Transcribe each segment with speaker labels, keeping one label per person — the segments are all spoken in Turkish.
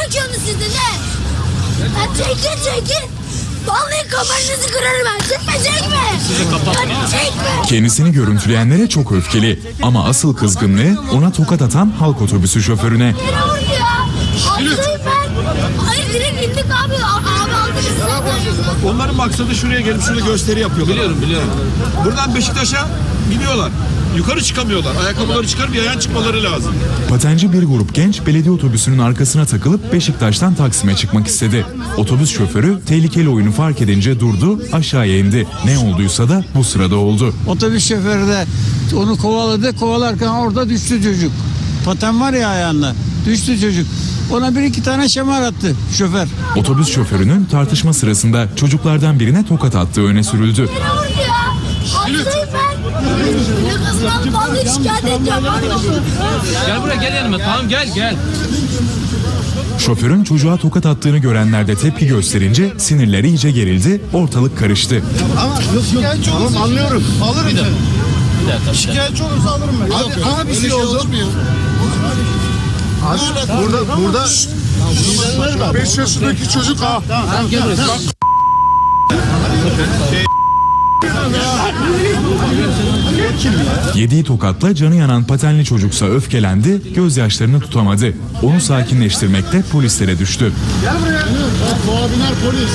Speaker 1: söküyorsunuz siz de ne? Ya çekin. Vallahi kafanızı kırarım ben. Çekme. Ya çekme.
Speaker 2: Kendisini görüntüleyenlere çok öfkeli ama asıl kızgınlığı ona tokat atan halk otobüsü şoförüne.
Speaker 1: Beni vurdu ya. Hastayım ben. Hayır direkt indik abi. Abi aldı bizi zaten.
Speaker 3: Onların maksadı şuraya gelip şurada gösteri yapıyorlar. Biliyorum. Buradan Beşiktaş'a gidiyorlar. Yukarı çıkamıyorlar. Ayakkabıları çıkarıp yayan çıkmaları lazım.
Speaker 2: Patenci bir grup genç belediye otobüsünün arkasına takılıp Beşiktaş'tan Taksim'e çıkmak istedi. Otobüs şoförü tehlikeli oyunu fark edince durdu, aşağıya indi. Ne olduysa da bu sırada oldu.
Speaker 4: Otobüs şoförü de onu kovaladı. Kovalarken orada düştü çocuk. Paten var ya ayağında. Düştü çocuk. Ona bir iki tane şamar attı şoför.
Speaker 2: Otobüs şoförünün tartışma sırasında çocuklardan birine tokat attığı öne sürüldü.
Speaker 1: Beni vurdu ya. Hastayım ben. Ne kızım vallahi şikayet edeceğim.
Speaker 5: Gel buraya, gel yanıma. Tamam gel.
Speaker 2: Şoförün çocuğa tokat attığını görenler de tepki gösterince sinirleri iyice gerildi, ortalık karıştı.
Speaker 6: Ama şikayetçi olursa tamam, anlıyorum. Alırım seni.
Speaker 5: Bir dakika.
Speaker 6: Şikayetçi olursa alırım ben. Abi bir şey oldu. Burada 5 yaşındaki çocuk ha.
Speaker 5: Tamam gel buraya.
Speaker 2: Yediği tokatla canı yanan patenli çocuksa öfkelendi, gözyaşlarını tutamadı. Onu sakinleştirmekte polislere düştü.
Speaker 6: Gel buraya. Muhabirler polis.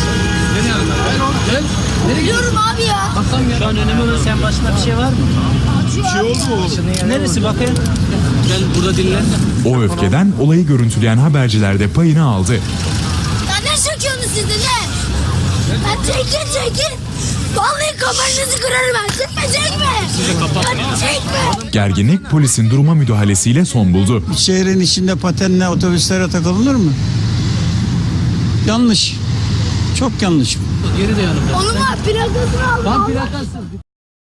Speaker 1: Biliyorum abi ya.
Speaker 5: Şu an önemli olan sen başına bir şey var mı?
Speaker 3: Bir şey oldu mu?
Speaker 5: Neresi bakayım? Gel burada dinlen.
Speaker 2: O öfkeden olayı görüntüleyen haberciler de payını aldı.
Speaker 1: Ya ne söküyorsunuz siz de ne? Ya çekin. Vallahi kafanızı kırarım ben. Çekme. Ya çekme.
Speaker 2: Gerginlik polisin duruma müdahalesiyle son buldu.
Speaker 4: Şehrin içinde patenle otobüslere takılınır mı? Yanlış. Çok yanlış.
Speaker 5: Geri de yanımda.
Speaker 1: Oğlum abi plakasını al.
Speaker 5: Tam plakası.